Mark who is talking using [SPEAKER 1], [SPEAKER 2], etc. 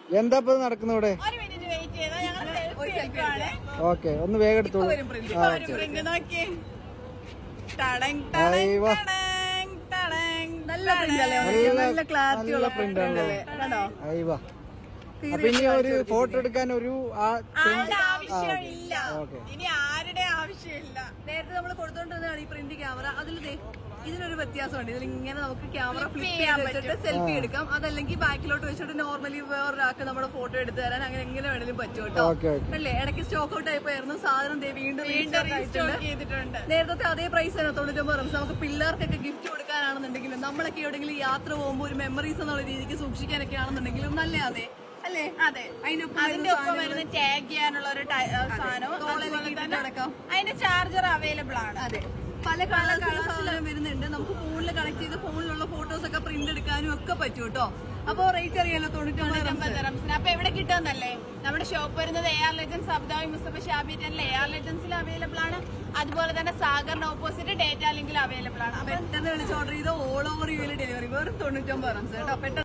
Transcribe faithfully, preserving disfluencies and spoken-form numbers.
[SPEAKER 1] എന്താ ഇപ്പൊ നടക്കുന്ന ഇവിടെ? ഓക്കെ, ഒന്ന് വേഗം എടുത്തോളൂ. അപ്പൊ ഇനി ഒരു ഫോട്ടോ എടുക്കാൻ ഒരു
[SPEAKER 2] ആവശ്യമില്ല, ഇനി ആരുടെ ആവശ്യമില്ല. നേരത്തെ നമ്മൾ കൊടുത്തോണ്ടിരുന്നതാണ് ഈ പ്രിന്റ് ക്യാമറ. അതിൽ ഇതിനൊരു വ്യത്യാസമുണ്ട്. ഇതിൽ ഇങ്ങനെ നമുക്ക് ക്യാമറ ഫ്ലിപ്പ് ചെയ്യാൻ വെച്ചിട്ട് സെൽഫി എടുക്കാം. അതല്ലെങ്കിൽ ബാക്കിലോട്ട് വെച്ചിട്ട് നോർമലി വേറൊരാൾക്ക് നമ്മുടെ ഫോട്ടോ എടുത്തു തരാൻ അങ്ങനെ എങ്ങനെ വേണമെങ്കിലും പറ്റും കേട്ടോ. അല്ലേ, ഇടയ്ക്ക് സ്റ്റോക്ക് ഔട്ട് ആയിപ്പോയിരുന്നു സാധനം. വീണ്ടും ചെയ്തിട്ടുണ്ട്. നേരത്തെ അതേ പ്രൈസ് തന്നെ, തൊണ്ണൂറ്റൊമ്പത് റംസ്. നമുക്ക് പിള്ളേർക്കൊക്കെ ഗിഫ്റ്റ് കൊടുക്കാനാണെന്നുണ്ടെങ്കിലും നമ്മളൊക്കെ എവിടെയെങ്കിലും യാത്ര പോകുമ്പോൾ ഒരു മെമ്മറീസ് എന്നുള്ള രീതിക്ക് സൂക്ഷിക്കാനൊക്കെ ആണെന്നുണ്ടെങ്കിലും നല്ല അതെ അല്ലേ? അതെ, അതിന്റെ ഒപ്പം വരുന്ന ടാഗ് ചെയ്യാനുള്ള ഒരു സാധനവും അതിന്റെ ചാർജർ അവൈലബിൾ ആണ്. അതെ, പല കളേഴ്സിലും വരുന്നുണ്ട്. നമുക്ക് ഫോണിൽ കണക്ട് ചെയ്ത് ഫോണിലുള്ള ഫോട്ടോസ് ഒക്കെ പ്രിന്റ് എടുക്കാനും ഒക്കെ പറ്റും കേട്ടോ. അപ്പൊ റേറ്റ് അറിയാലോ, തൊണ്ണൂറ്റൊമ്പത് റംസിന്. അപ്പൊ എവിടെ കിട്ടുമെന്നല്ലേ? നമ്മുടെ ഷോപ്പ് വരുന്നത് എ ആർ ലെജൻസ് അബുദാബി മുസ്തഫ ഷാബി ടെനിൽ എ ആർ ലെജൻസിൽ അവൈലബിൾ ആണ്. അതുപോലെ തന്നെ സാഗറിന് ഓപ്പോസിറ്റ് ഡേറ്റ ലിങ്കിൽ അവൈലബിൾ ആണ്. പെട്ടെന്ന് വിളിച്ച് ഓർഡർ ചെയ്ത് ഓൾ ഓവർ യു ഡെലിവറി വെറും തൊണ്ണൂറ്റൊമ്പത് റംസ് കേട്ടോ. പെട്ടെന്ന്